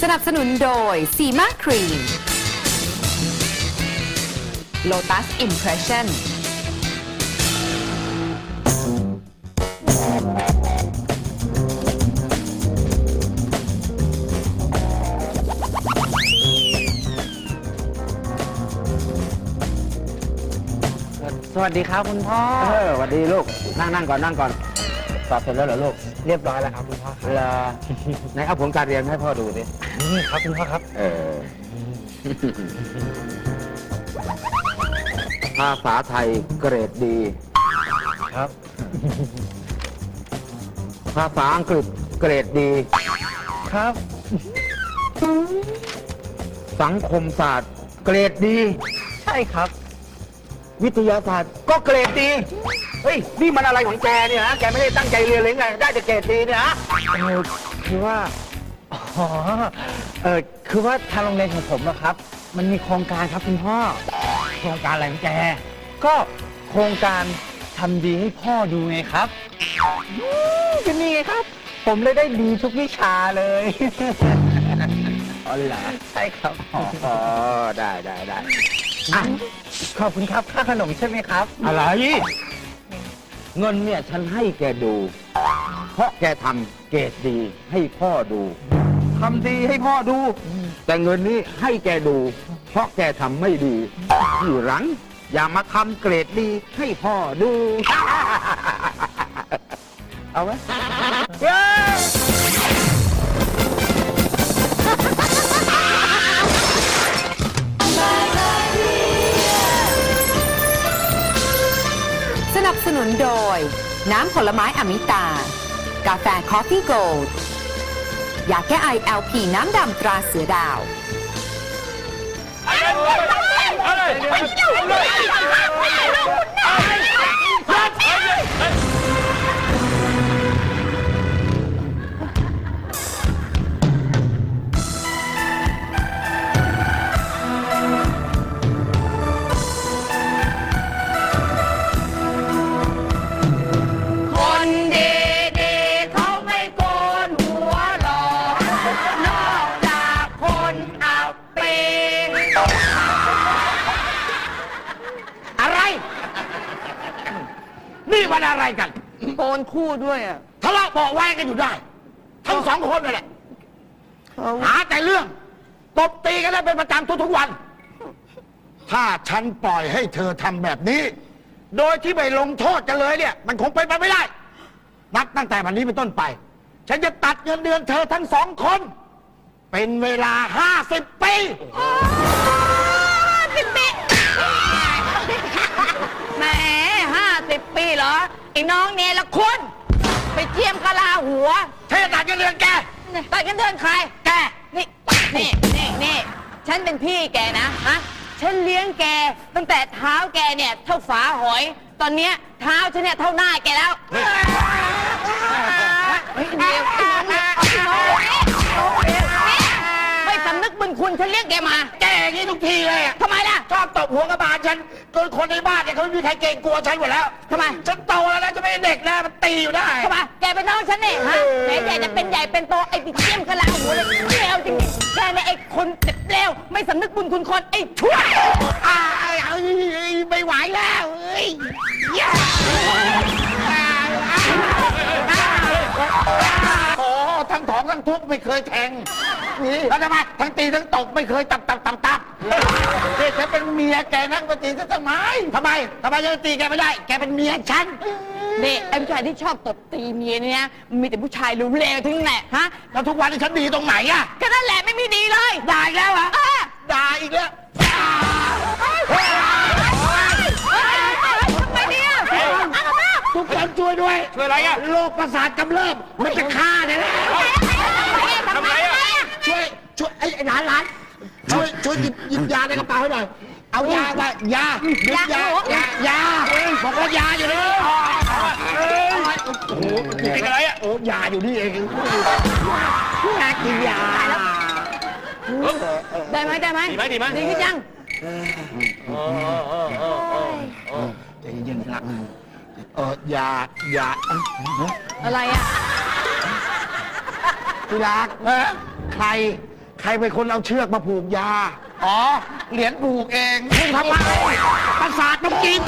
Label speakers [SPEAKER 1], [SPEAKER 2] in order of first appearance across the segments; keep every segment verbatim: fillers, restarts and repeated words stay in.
[SPEAKER 1] สนับสนุนโดยซีมาครีม Lotus Impression
[SPEAKER 2] สวัสดีครับคุณพ่อเออสวัสดีลูกนั่งนั่งก่อนนั่งก่อนสอบเสร็จแล้วเหรอลูกเรียบร้อยแล้วครับคุณพ่อครับไหนเอาผลการเรียนให้พ่อดูดินี่ครับคุณพ่อครับเออภาษาไทยเกรดดีครับภาษาอังกฤษเกรดดีครับสังคมศาสตร์เกรดดีใช่ครับวิทยาศาสตร์ก็เกรดดีเฮ้ยนี่มันอะไรของแกเนี่ยฮะแกไม่ได้ตั้งใจเรียนเลยไงได้แต่เกรดดีเนี่ยฮะเออคือว่าอ๋อเออคือว่าทางโรงเรียนของผมนะครับมันมีโครงการครับคุณพ่อโครงการอะไรของแกก็โครงการทำดีให้พ่อดูไงครับก็นี่ไงครับผมเลยได้ดีทุกวิชาเลยอ๋อเหรอใช่ครับอ๋อได้ได้ได้ขอบคุณครับค่าขนมใช่ไหมครับอะไรเงินเนี่ยฉันให้แกดูเพราะแกทำเกรดดีให้พ่อดูทำดีให้พ่อดูแต่เงินนี้ให้แกดูเพราะแกทำไม่ดีทีหลังอย่ามาทำเกรดดีให้พ่อดูเอาไหม
[SPEAKER 1] สนับสนุนโดยน้ำผลไม้อมิตา กาแฟคอฟฟี่โกลด์ยาแก้ไอ แอล พี น้ำดำตราเสือดาว
[SPEAKER 2] นี่มันอะไรกัน
[SPEAKER 3] โกนคู่ด้วยอ่ะ
[SPEAKER 2] ทะเลาะเบาะแว้งกันอยู่ได้ทั้งสองคนนั่นแหละหาแต่เรื่องตบตีกันได้เป็นประจำทุกๆวันถ้าฉันปล่อยให้เธอทำแบบนี้ โดยที่ไม่ลงโทษกันเลยเนี่ยมันคงเป็นไปไม่ได้นับตั้งแต่วันนี้เป็นต้นไปฉันจะตัดเงินเดือนเธอทั้งสองคนเป็นเวลาห้าสิบปี
[SPEAKER 3] สิบปีแหมห้าสิบปีเหรอไอ้น้องเนี่ยละคุณไปเจียมกะลาหัว
[SPEAKER 2] เธอตัดเงินเดือนแก
[SPEAKER 3] ตัดเงินเดือนใครแกนี่นี่นี่นี่ฉันเป็นพี่แกนะฮะฉันเลี้ยงแกตั้งแต่เท้าแกเนี่ยเท่าฝาหอยตอนเนี้ยเท้าฉันเนี่ยเท่าหน้าแกแล้วไม่สำนึกบุญคุณฉันเลี้ยงแกมา
[SPEAKER 2] แกอย่างนี้ทุกทีเลย
[SPEAKER 3] ทำไมล่ะ
[SPEAKER 2] ชอบตบหัวกระบาลฉันจนคนในบ้านเนี่ยเขาไม่มีใครเกรงกลัวฉันหมดแล้ว
[SPEAKER 3] ทำไม
[SPEAKER 2] ฉันโตแล้วนะจะไม่เด็กนะมันตีอยู่ได้
[SPEAKER 3] ทำไมแกเป็นน้องฉันเนี่ยฮะแม่ใหญ่จะเป็นใหญ่เป็นโตไอ้ปิ๊กเจี้ยมกะลาหัวเลยเลวจริงๆแกเนี่ยไอ้คนเจ็บเลวไม่สำนึกบุญคุณคนไอ้ชั่ว
[SPEAKER 2] อ้าวไม่ไหวแล้วเอ้ยโอ้ทั้งถองทั้งทุบไม่เคยแทงแล้วทำไมทั้งตีทั้งตบไม่เคยตับตับตับตับเฮ้ยฉันเป็นเมียแกนั่งมาตีฉันทำไมทำไมทำไมยังตีแกไม่ได้แกเป็นเมียฉัน
[SPEAKER 3] นี่ไอ้ผู้ชายที่ชอบตบตีเมียเนี่ยมีแต่ผู้ชายเลวๆทั้งนั้นแหละฮะ
[SPEAKER 2] แล้วทุกวันนี้ฉันดีตรงไหนอะ
[SPEAKER 3] ก็นั่นแหละไม่มีดีเลย
[SPEAKER 2] ด่าอีกแล้วเหรอด่าอีกแล้ว
[SPEAKER 3] ทำไมเนี่ย
[SPEAKER 2] ทุกคนช่วยด้วย
[SPEAKER 4] ช่วยอะไรอะ
[SPEAKER 2] โรคประสาทกำเริบมันจะฆ่าเนี่ยนะ
[SPEAKER 3] ทำไมอะ
[SPEAKER 2] ช่วยช่วยไอ้หลานหลานช่วยช่วยหยิบหยิบยาในกระเป๋าให้หน่อยเอายาไปยาหยิบยายายาบอกว่ายาอยู่นี่โอ้โห
[SPEAKER 4] กินอะไรอ่ะ
[SPEAKER 2] โอ้ยาอยู่นี่เองยากินยา
[SPEAKER 3] ได้ไหมได้ไหม
[SPEAKER 4] ดีไหมดีไหม
[SPEAKER 3] ดีขึ้นยัง
[SPEAKER 2] ใจเย็นๆนะเออยายา
[SPEAKER 3] อะไรอ่ะ
[SPEAKER 2] ที่รักใครใครเป็นคนเอาเชือกมาผูกยา อ๋อ เหรียญผูกเองมึงทำไมประสาทต้องกิน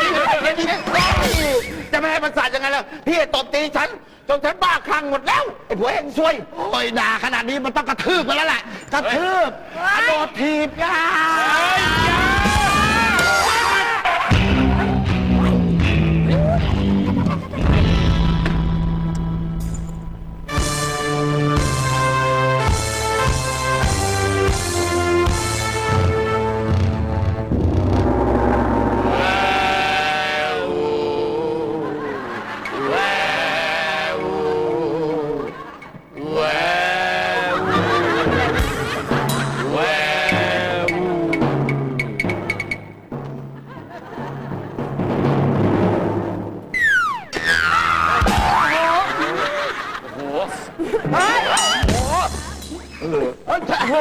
[SPEAKER 2] จะไม่ให้ประสาทยังไงล่ะพี่ตบตีฉันจนฉันบ้าคลั่งหมดแล้วไอ้ผัวเองซวยโอ้ยด่าขนาดนี้มันต้องกระทืบกันแล้วแหละกระทืบกระโดดถีบยา
[SPEAKER 3] พอ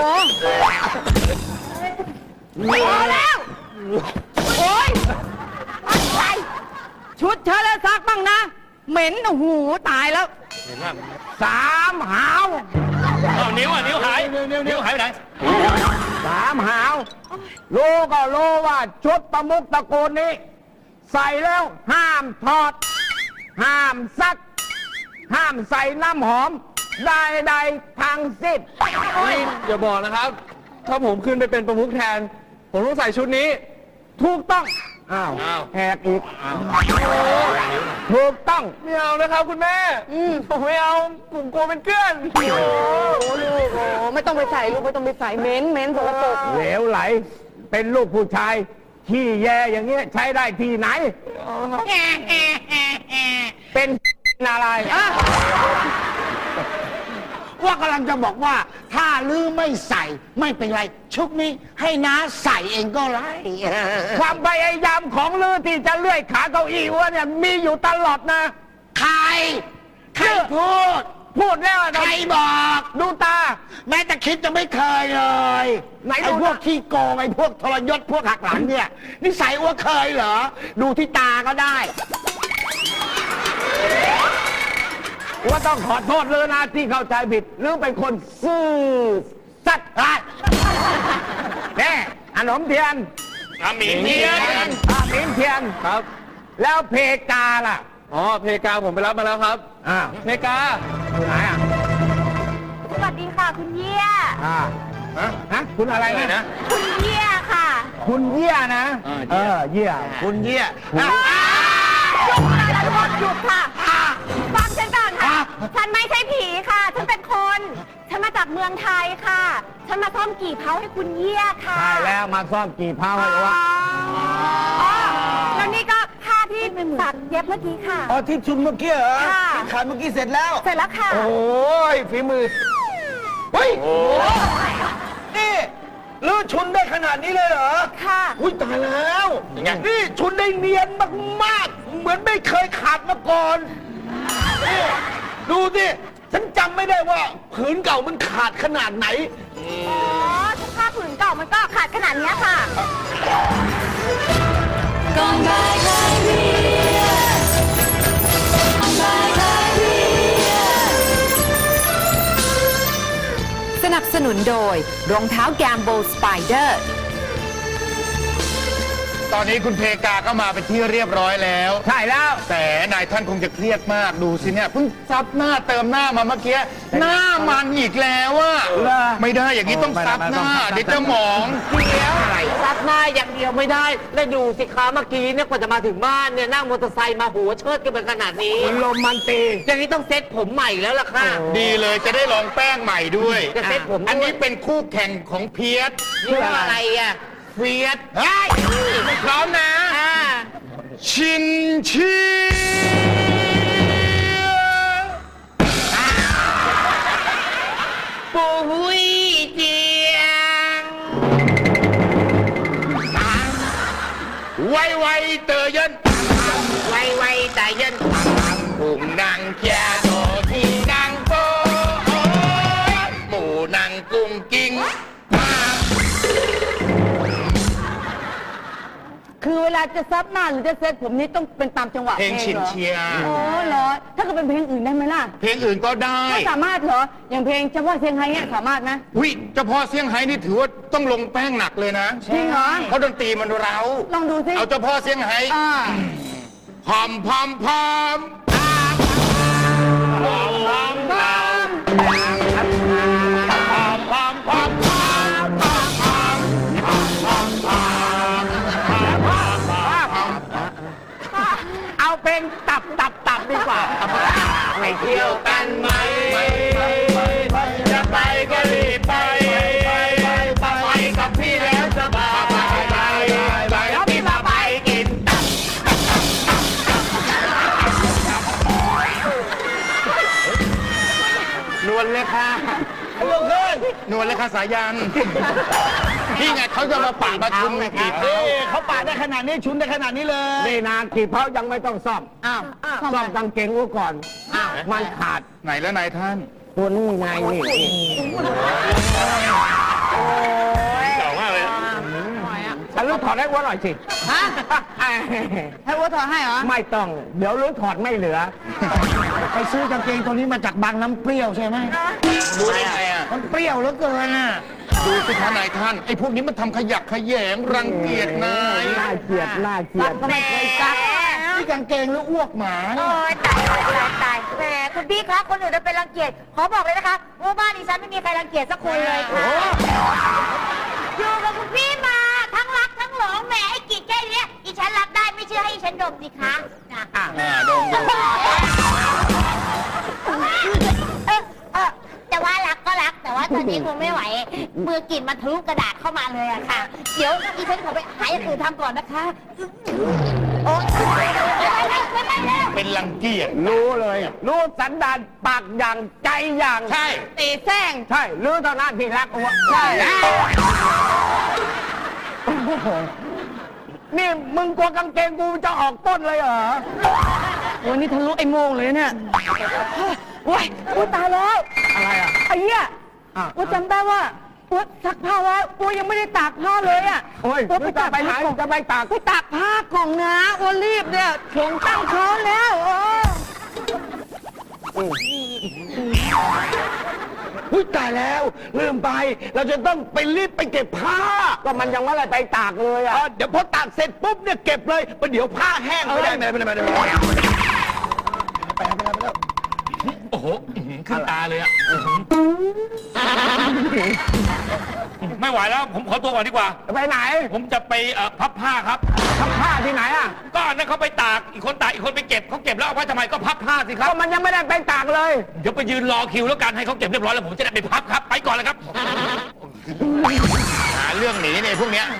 [SPEAKER 3] แล้ว โอ๊ยอะไรชุดเธอแล้วซักบ้างนะ เหม็นโอ้โหตายแล้ว
[SPEAKER 2] สามหาว
[SPEAKER 4] เอานิ้วอ่ะนิ้วหายนิ้วหายไปไหน
[SPEAKER 2] สามหาวรู้ก็รู้ว่าชุดประมุขตระกูลนี้ ใส่แล้วห้ามถอด ห้ามซัก ห้ามใส่น้ำหอมใดๆทั้งสิ้น
[SPEAKER 4] อย่าบอกนะครับ ถ้าผมขึ้นไปเป็นประมุขแทน ผมต้องใส่ชุดนี้
[SPEAKER 2] ถูกต้อง อ้าว
[SPEAKER 4] อ้าว
[SPEAKER 2] แหกอีกถูกต้อง
[SPEAKER 4] ไม่เอานะครับคุณแม่ผมไม่เอา ผมกลัวเป็นเกลื่อน
[SPEAKER 3] โอ้ลูกโอ้ไม่ต้องไปใส่ลูกไม่ต้องไปใส่เหม็นเหม็นสกปรก
[SPEAKER 2] เหลวไหล เป็นลูกผู้ชายที่แย่อย่างเงี้ยใช้ได้ที่ไหน เป็นอะไร
[SPEAKER 5] ว่ากำลังจะบอกว่า ถ้าลือไม่ใส่ไม่เป็นไร ชุดนี้ให้น้าใส่เองก็ไร
[SPEAKER 2] ความพยายามของลือที่จะเลื่อยขาเก้าอี้อ้วนเนี่ยมีอยู่ตลอดนะ
[SPEAKER 5] ใคร ใครพูด
[SPEAKER 2] พูดแล้ว
[SPEAKER 5] ใครบอก
[SPEAKER 2] ดูตา
[SPEAKER 5] แม้แต่คิดจะไม่เคยเลย
[SPEAKER 2] ไหนดู
[SPEAKER 5] ไอ้พวก
[SPEAKER 2] นะ
[SPEAKER 5] ขี้โกงไอ้พวกทรยศพวกหักหลังเนี่ยนิสัยอ้วเคยเหรอ ดูที่ตาก็ได้
[SPEAKER 2] ว่าต้องขอโทษเลยนะที่เข้าใจผิดหรือเป็นคนซื่อสัตย์อ่ะแน่ขนมเทียน
[SPEAKER 4] อาหมีเทียน
[SPEAKER 2] อาหมินเทียน
[SPEAKER 4] ครับ
[SPEAKER 2] แล้วเพกาล่ะ
[SPEAKER 4] อ๋อ เพกาผมไปรับมาแล้วครับ
[SPEAKER 2] อ้าว
[SPEAKER 4] เพกา
[SPEAKER 2] อยู่ไหนอ่ะ
[SPEAKER 6] สวัสดีค่ะคุณเยี่ย
[SPEAKER 2] อ่า
[SPEAKER 4] ฮะ
[SPEAKER 2] ฮะคุณอะไร
[SPEAKER 4] อะไร
[SPEAKER 2] นะ
[SPEAKER 4] นะ
[SPEAKER 6] คุณเยี่ยค่ะ
[SPEAKER 2] คุณเยี่ยนะ
[SPEAKER 4] อ่า
[SPEAKER 2] เออเยี่ย
[SPEAKER 5] คุณเยี่ย
[SPEAKER 6] หยุดค่ะทุกคนหยุดค่ะฟังฉันก่อนค่ะ ฉันไม่ใช่ผีค่ะ ฉันเป็นคน ฉันมาจากเมืองไทยค่ะ ฉันมาซ่อมกี่เผาให้คุณเยี่ยค่ะ
[SPEAKER 2] ใช่แล้วมาซ่อมกี่เผาให้วะ
[SPEAKER 6] อ๋อแล้วนี่ก็ผ้าที่ตัดเย็บเมื่อกี้ค่ะ
[SPEAKER 2] อ๋อที่ชุนเมื่อกี้เหรอ
[SPEAKER 6] ค่ะ
[SPEAKER 2] ที่ขาดเมื่อกี้เสร็จแล้ว
[SPEAKER 6] เสร็จแล้วค่ะ
[SPEAKER 2] โอ้ยฝีมือ เฮ้ย นี่ลื้อชุนได้ขนาดนี้เลยเหรอ
[SPEAKER 6] ค่ะ
[SPEAKER 2] อุ้ยตายแล้ว
[SPEAKER 4] ยังไง
[SPEAKER 2] นี่ชุนได้เนียนมากๆ เหมือนไม่เคยขาดมาก่อนนี่ดูสิ ฉันจำไม่ได้ว่าผืนเก่ามันขาดขนาดไหน
[SPEAKER 6] อ๋อถ้าผ้าผืนเก่ามันก็ขาดขนาดเนี้ยค่ะ
[SPEAKER 1] สนับสนุนโดยรองเท้าแกมโบสไปเดอร์
[SPEAKER 7] ตอนนี้คุณเพกาก็มาเป็นที่เรียบร้อยแล้ว
[SPEAKER 2] ใช่แล้ว
[SPEAKER 7] แต่นายท่านคงจะเครียดมากดูสิเนี่ยเพิ่งซับหน้าเติมหน้ามาเมื่อกี้หน้ามันอีกแล้วอะ
[SPEAKER 2] เหรอ
[SPEAKER 7] ไม่ได้อย่างนี้ต้องซับหน้า
[SPEAKER 2] ไม่ได้ไม่ได้
[SPEAKER 7] เดี๋ยวจะหมอง
[SPEAKER 3] เดี๋ยวซักหน้าอย่างเดียวไม่ได้ แล้วดูสิคะเมื่อกี้เนี่ยกว่าจะมาถึงบ้านเนี่ยนั่งมอเตอร์ไซค์มาหัวเชิดกันเป็นขนาดนี้
[SPEAKER 2] ลมมันตี
[SPEAKER 3] อย่างนี้ต้องเซ็ตผมใหม่แล้วล่ะค่ะ
[SPEAKER 7] ดีเลยจะได้ลองแป้งใหม่ด้วย
[SPEAKER 3] จะเซ็ตผมด้วย
[SPEAKER 7] อันนี้เป็นคู่แข่งของเพียส
[SPEAKER 3] นี่ว่าอะไรอ่ะ
[SPEAKER 7] เฟียสเฮ้ยพร้อมนะ
[SPEAKER 3] อ่า
[SPEAKER 7] ชินชี
[SPEAKER 3] ปูหุยเจียง
[SPEAKER 7] ไวไวเตอเยิน
[SPEAKER 3] ไวไวแต่เย็น
[SPEAKER 7] ปุ่มนางแกโตที่นางโปหมูนางกุ้งกิ้ง
[SPEAKER 3] คือเวลาลาจะซับหน้าหรือจะเซ็ตผมนี่ต้องเป็นตามจังหวะ
[SPEAKER 7] เพลง
[SPEAKER 3] เหรอ
[SPEAKER 7] ชินเชียร์
[SPEAKER 3] โอ้เหรอ ถ้าเกิดเป็นเพลงอื่นได้ไหมล่ะ
[SPEAKER 7] เพลงอื่นก็ได้
[SPEAKER 3] ไม่สามารถเหรอ อย่างเพลงเฉพาะเสียงไฮเนี่ยสามารถไหม
[SPEAKER 7] วิเฉพาะเซี่ยงไฮ้นี่ถือว่าต้องลงแป้งหนักเลยนะ
[SPEAKER 3] จริงเหรอ
[SPEAKER 7] เพราะดนตรีมันเร้า
[SPEAKER 3] ลองดูสิ
[SPEAKER 7] เอาเฉพาะเซี่ยงไฮ้
[SPEAKER 3] อ่า
[SPEAKER 7] พอมพอมพอมพอมพอมพอมพอมพอมพอมพอมพอมพอมพอม
[SPEAKER 2] เอาเพลงตับตับตับดีกว่า
[SPEAKER 7] ไปเที่ยวกันไหมจะไปก็รีบไปไปกับพี่แล้วสบายไปแล้วพี่มาไปกินตับนวลเลยค่ะลูกเอ้ยนวลเลยค่ะสายันนี่ไงเขาจะมาปะมาชุมกีบ
[SPEAKER 2] เอ้ยเขาปาดได้ขนาดนี้ชุนได้ขนาดนี้เลยนี่นากีบเพรายังไม่ต้องซ่อม
[SPEAKER 3] อ้าว
[SPEAKER 2] ซ่อมกางเกงกูก่อนมันขาด
[SPEAKER 7] ไหนแล้วนายท่าน
[SPEAKER 2] ตัวนี้ไงนี่
[SPEAKER 7] เก่ามากเลย
[SPEAKER 2] ฉันรู้ถอดให้วัวหน่อยสิ
[SPEAKER 3] ฮะ ให้วัวถอดให้เหรอ
[SPEAKER 2] ไม่ต้อง เดี๋ยวรู้ถอดไม่เหลือ ไปซื้อกางเกงตัวนี้มาจากบางน้ำเปรี้ยวใช่ไหม
[SPEAKER 7] ดูได้ไงอ่ะ
[SPEAKER 2] มันเปรี้ยวเหลือเกินอ่ะ
[SPEAKER 7] ดูสิคะนายท่านไอ้พวกนี้มันทำขยักขยงรังเกียจนาย
[SPEAKER 2] น่าเกลียดน่าเกลียด
[SPEAKER 3] ก็ไม่เคยซัก
[SPEAKER 2] นี่กางเกงหรืออ้วกหมา
[SPEAKER 6] โอ้ยตายตายตายตายแหมคุณพี่คะคนอื่นจะเป็นรังเกียจขอบอกเลยนะคะว่าบ้านดิฉันไม่มีใครรังเกียจสักคนเลยค่ะอยู่กับคุณพี่มาทั้งรักทั้งหลงแหมไอ้กีดแค่เนี้ยดิฉันรับได้ไม่เชื่อให้ดิฉันดมสิคะนะ
[SPEAKER 7] อ่าดมดู
[SPEAKER 6] เออเออแต่ว่ารักก็รักแต่ว่าตอนนี้คงไม่ไหวมือกลิ่นมันทะลุกระดาษเข้ามาเลยอะค่ะ เดี๋ยวดิฉันขอไปหาอย่างอื่นทำก่อนนะคะโอ๊ยไม่ไปแล้ว
[SPEAKER 7] เป็นรังเกียจ
[SPEAKER 2] รู้เลย รู้สันดานปากอย่างใจอย่าง
[SPEAKER 7] ใช่
[SPEAKER 3] ตีแซง
[SPEAKER 2] ใช่รู้เท่านั้นที่รักอ้วก
[SPEAKER 3] ใช่
[SPEAKER 2] นี่มึงกลัวกางเกงกูจะออกต้นเลยเหรอ
[SPEAKER 3] วันนี้ทะลุไอ้โมงเลยเนี่ยว้ายอุ้ยตายแล้ว
[SPEAKER 2] อะไรอ่ะ
[SPEAKER 3] ไอ้เหี้ย
[SPEAKER 2] อ่ะ
[SPEAKER 3] อ้วจำได้ว่าอ้วซักผ้าไว้อ้วยังไม่ได้ตากผ้าเลยอ่ะ
[SPEAKER 2] โอ้ย
[SPEAKER 3] อ้วไป
[SPEAKER 2] ไป
[SPEAKER 3] ตา
[SPEAKER 2] ตาก กไปไหน
[SPEAKER 3] ผ้ากล่อง
[SPEAKER 2] จะไปตาก
[SPEAKER 3] ไปตากผ้ากล่องนะอ้วรีบเนี่ยถึงตั้งเขาแล้วเออ
[SPEAKER 2] อุ้ยตายแล้วลืมไป เราจะต้องไปรีบไปเก็บผ้า ก็มันยังไม่ได้ไปตากเลยอ่ะเดี๋ยวพอตากเสร็จปุ๊บเนี่ยเก็บเลยประเดี๋ยวผ้าแห้งไม่ได้ไม่ได้ไม่ได้ไม่ได้
[SPEAKER 7] โอ้โหอื้อหือขึ้นตาเลยอ่ะไม่ไหวแล้ว ผมขอตัวก่อนดีกว่า
[SPEAKER 2] ไปไหน
[SPEAKER 7] ผมจะไปเอ่อพับผ้าครับ
[SPEAKER 2] ทำผ้าที่ไหนอ่ะ
[SPEAKER 7] ก็อันนั้นเขาไปตาก อีกคนตาก อีกคนไปเก็บ เขาเก็บแล้วเอาไว้ทำไมก็พับผ้าสิครับ
[SPEAKER 2] ก็มันยังไม่ได้ไปตากเลย
[SPEAKER 7] เดี๋ยวไปยืนรอคิวแล้วกันให้เขาเก็บเรียบร้อยแล้วผมจะได้ไปพับครับ ไปก่อนเลยครับ หาเรื่องหนีเนี่ยพวกเนี้ย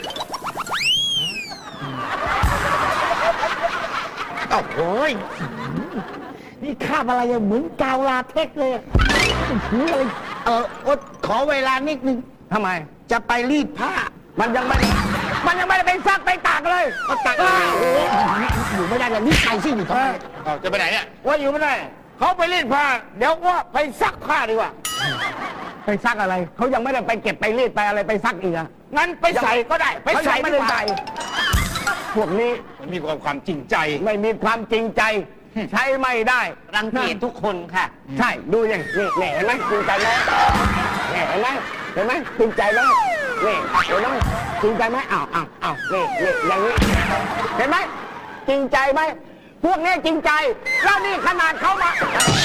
[SPEAKER 2] โอ้โหยนี่คาบอะไรอะเหมือนกาวลาเทคเลยอะถืออะไรเอออดขอเวลานิดนึงทำไม จะไปรีดผ้า มันยังไม่ได้มันยังไม่ได้ไปซักไปตากเลยก็ตากโอ้โหอยู่ไม่ได้เลยนี่ใครสิอยู่ตรงนี้
[SPEAKER 7] เอาจะไปไหนเนี่ย
[SPEAKER 2] ว่าอยู่ไม่ได้เขาไปรีดผ้า เดี๋ยวว่าไปซักผ้าดีกว่า ไปซักอะไรเขายังไม่ได้ไปเก็บไปรีดไปอะไรไปซักอีกอะงั้นไปใส่ก็ได้ไปใส่ไม่ได้ใส่พวกนี้
[SPEAKER 7] มันมีความความจริงใจ
[SPEAKER 2] ไม่มีความจริงใจ ใช้ไม่ได้
[SPEAKER 3] รังเกียจทุกคนค่ะ
[SPEAKER 2] ใช่ดูอย่างนี่นี่เห็นไหมจริงใจไหมนี่เห็นไหมเห็นไหมจริงใจไหมนี่เห็นไหมจริงใจไหมอ้าวอ้าวอ้าวนี่นี่อย่างนี้เห็นไหมจริงใจไหมพวกนี้จริงใจแล้วนี่ขนาดเขามา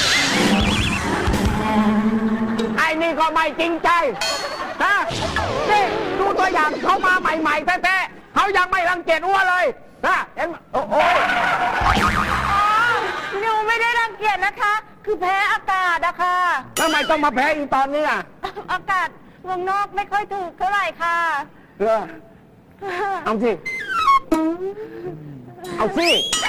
[SPEAKER 2] ไอ้นี่ก็ไม่จริงใจนะนี่ดูตัวอย่างเขามาใหม่ๆแท้ๆเขายังไม่รังเกียจอ้วนเลยนะเห็นไหมโอ้โห
[SPEAKER 6] หนูไม่ได้รังเกียจนะคะ คือแพ้อากาศอะค่ะ
[SPEAKER 2] ทำไมต้องมาแพ้อีตอนนี้อ่ะ
[SPEAKER 6] อากาศเมืองนอกไม่ค่อยถูกเท่าไหร่ค่ะ
[SPEAKER 2] เออเอาสิ เอาสิ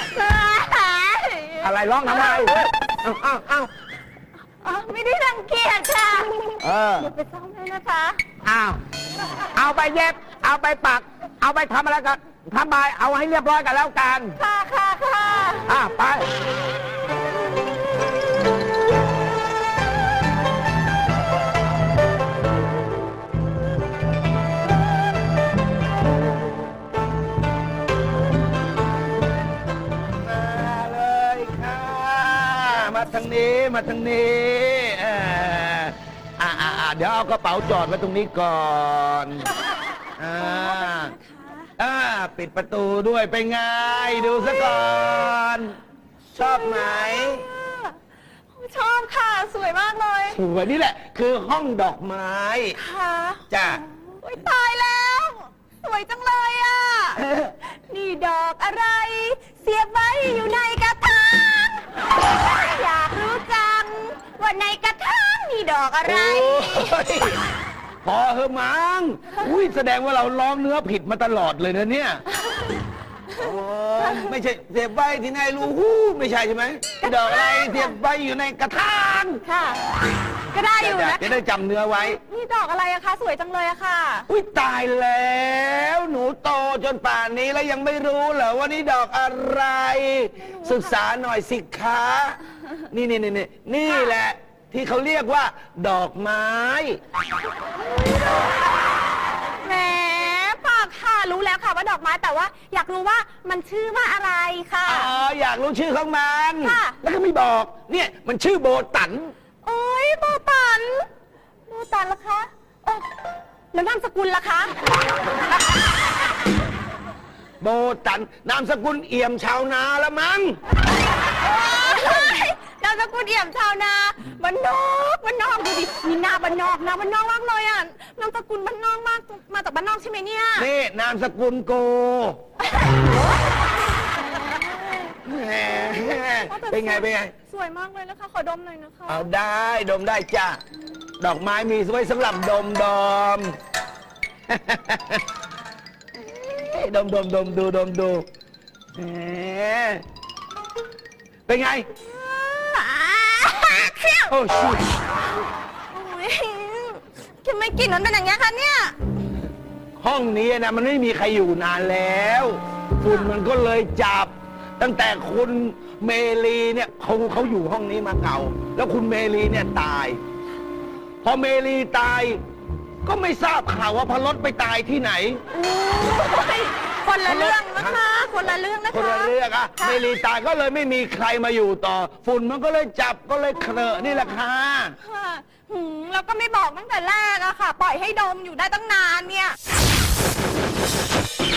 [SPEAKER 2] อะไรร้องทำไมเอาเอาเอา
[SPEAKER 6] อ๋อไม่ได้รังเกียจค่ะ
[SPEAKER 2] เออ
[SPEAKER 6] เดี๋ยวไปซ่อมให้นะคะ
[SPEAKER 2] เอาเอาไปเย็บ เอาไปปัก เอาไปทำอะไรกันทำไปเอาให้เรียบร้อยกันแล้วกัน
[SPEAKER 6] ค่ะค่ะค่ะ
[SPEAKER 2] อ่ะไปมาทางนี้เอออ่าอ่าอ่าเดี๋ยวเอากระเป๋าจอดไว้ตรงนี้ก่อนอ่าอ่าปิดประตูด้วยไปไงดูซะก่อน ชอบไหม
[SPEAKER 6] ชอบค่ะ สวยมากเลย
[SPEAKER 2] สวยนี่แหละ คือห้องดอกไม้
[SPEAKER 6] ค่ะ
[SPEAKER 2] จ้ะ
[SPEAKER 6] โอ๊ยตายแล้ว สวยจังเลยอ่ะ นี่ดอกอะไร เสียบไว้อยู่ในกระถางอยากรู้จัง ว่าในกระถางมีดอกอะไร
[SPEAKER 2] โอ้ยพอเหอะมังอุ้ยแสดงว่าเราร้องเนื้อผิดมาตลอดเลยนะเนี่ยโอ้ยไม่ใช่เสียบไว้ที่ไหนรู้หู้ไม่ใช่ใช่ไหมดอกอะไรเสียบไว้อยู่ในกระถาง
[SPEAKER 6] ค่ะ ก็ได้อยู่นะ
[SPEAKER 2] จะได้จำเนื้อไว้
[SPEAKER 6] นี่ดอกอะไรอะคะ สวยจังเลยอะค่ะ
[SPEAKER 2] อุ้ยตายแล้ว หนูโตจนป่านนี้แล้วยังไม่รู้เหรอว่านี่ดอกอะไร ศึกษาหน่อยสิคะนี่นี่นี่นี่นี่แหละ ที่เขาเรียกว่า ดอกไม้
[SPEAKER 6] แหมปากค่ะ รู้แล้วค่ะว่าดอกไม้แต่ว่าอยากรู้ว่ามันชื่อว่าอะไรค่ะ
[SPEAKER 2] อ๋ออยากรู้ชื่อของมัน
[SPEAKER 6] ค่ะ
[SPEAKER 2] แล้วก็ไม่บอก เนี่ยมันชื่อโบตัน
[SPEAKER 6] โอ้ยโบตันโบตันล่ะคะเอ้อแล้วนามสกุลล่ะคะ
[SPEAKER 2] โบตันนามสกุลเอี่ยมชาวนาละมั้ง
[SPEAKER 6] โอ๊ยนามสกุลเอี่ยมชาวนาบ้านนอกบ้านนอกดูดิมีหน้าบ้านนอกนะบ้านนอกมากเลยอ่ะนามสกุลบ้านนอกมากมาจากบ้านนอกใช่ไหมเนี่ย
[SPEAKER 2] นี่นามสกุลโกแหมเป็นไงเป็นไง
[SPEAKER 6] สวยมากเลยนะคะ ขอดมหน่อยนะคะ
[SPEAKER 2] เอาได้ดมได้จ้ะ ดอกไม้มีไว้สำหรับดมดม ดมดมดมดูดมดูแหมเป็นไง
[SPEAKER 6] เขี้ยว
[SPEAKER 2] โอ้ชิ
[SPEAKER 6] โอ้ยทำไมกลิ่นมันเป็นอย่างนี้ยคะเนี่ย
[SPEAKER 2] ห้องนี้นะมันไม่มีใครอยู่นานแล้วฝุ่นมันก็เลยจับ ตั้งแต่คุณเมลีเนี่ยเขาเขาอยู่ห้องนี้มาเก่า แล้วคุณเมลีเนี่ยตาย พอเมลีตาย ก็ไม่ทราบข่าวว่าพลดไปตายที่ไหน
[SPEAKER 6] คนละเรื่องนะคะ คนละเรื่องนะคะ
[SPEAKER 2] คนละเรื่องอะ
[SPEAKER 6] ค่ะ
[SPEAKER 2] เมลีตายก็เลยไม่มีใครมาอยู่ต่อ ฝุ่นมันก็เลยจับก็เลยเคลอะนี่แหละค่ะ
[SPEAKER 6] ค่ะหืมแล้วก็ไม่บอกตั้งแต่แรกอะค่ะ ปล่อยให้ดมอยู่ได้ตั้งนานเนี่ย